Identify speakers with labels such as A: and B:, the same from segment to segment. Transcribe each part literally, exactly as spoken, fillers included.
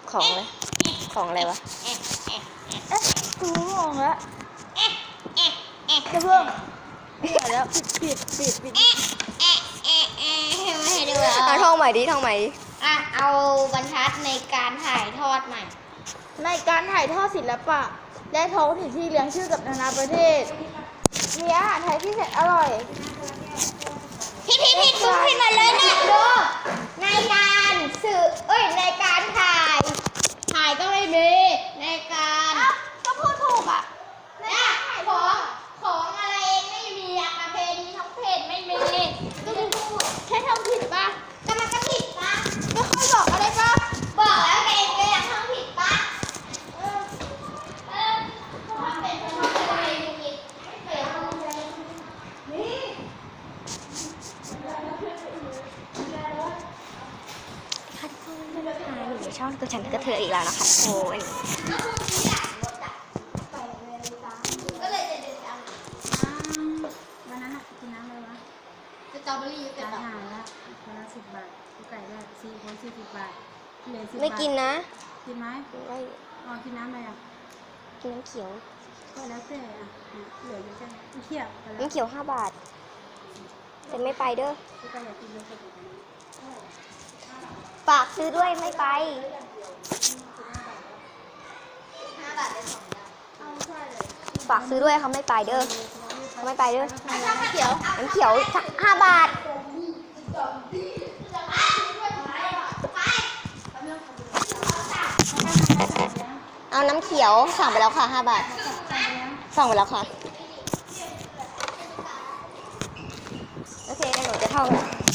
A: ของเลยของอะไรวะ
B: เอ๊ะกูงงแล้วจะเพิ่งเดี๋ยวแล้วปิดปิดปิดปิด
C: ไม่ให้ดู
A: เอาท่องใหม่ดิท่องใหม่ดิ
C: อ่ะเอาบรรทัดในการถ่ายทอดใหม่
B: ในการถ่ายทอดศิลปะและท้องถิ่นที่เลี้ยงชื่อกับนานาประเทศมีอาหารไทยที่แสนอร่อย
C: พี่พี่พี่ดูขึ้นมาเลยเนี่ยดูในการสื่อเอ้ยในการถ่าย ถ่ายก็ไม่มีในการก็พูดถูกอ่ะเนี่ยของของอะไรไม่มีอะประเพณีท้องถิ่นไม่มีก็คือพูด
B: แค่ท้องถิ่นป่ะ
C: ก็มันก็ผิดปะ
B: ไม่ค่อยบอกอะไรป่ะ
C: บอกแล้วแกเองก็ยังท้องผิดปะเออเออทำเป็นท้องอะไรผิดไม่เคยทำเลยนี่
A: ค่ะทุกคนนะคะอยู่ในช่องตัวฉันก็เธออีกแล้วนะคะโอ้ย
C: ก็คือที่หลังรถอะไปเลยจ้าก็เลยจะเดินตาม
D: วันนั้นอะกินน้ำอะไรวะ
C: สตรอเบอรี่กับ
D: อา
C: ดอก
D: หารละคนละสิบบาทกูไก่ได้สี่คนสี่สิบบาทเหลือสิบบาท
A: ไม่กินนะ
D: กินไหม
A: ไม่
D: อ๋อกินน้ำอะไรอ่ะ
A: กินน้ำเขียว
D: ก็แล้วแต่อ่ะเนี่ยเหลืออยู่แค่นี้เที่ยวไปแล้ว
A: น้ำเขียวห้าบาทแต่ไม่ไปเด้อ
D: กูไก่อยากกินเยอะกว่านี้
A: ฝากซื้อด้วยไม่ไป
C: ห้าบาทได้สองดาวเอาใช่เลย
A: ฝากซื้อด้วยเขาไม่ไปเด้อเขาไม่ไปเด้อ
C: น้ำเขียว
A: น้ำเขียวห้าบาทเอาน้ำเขียวสั่งไปแล้วค่ะห้าบาทสั่งไปแล้วค่ะโอเคเดี๋ยวหนูจะท่อง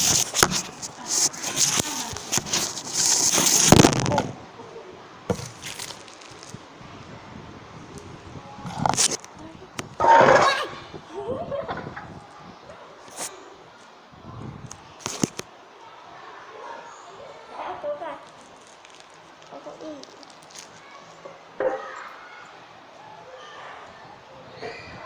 A: เอาตัวก่อนเอาตัวอีก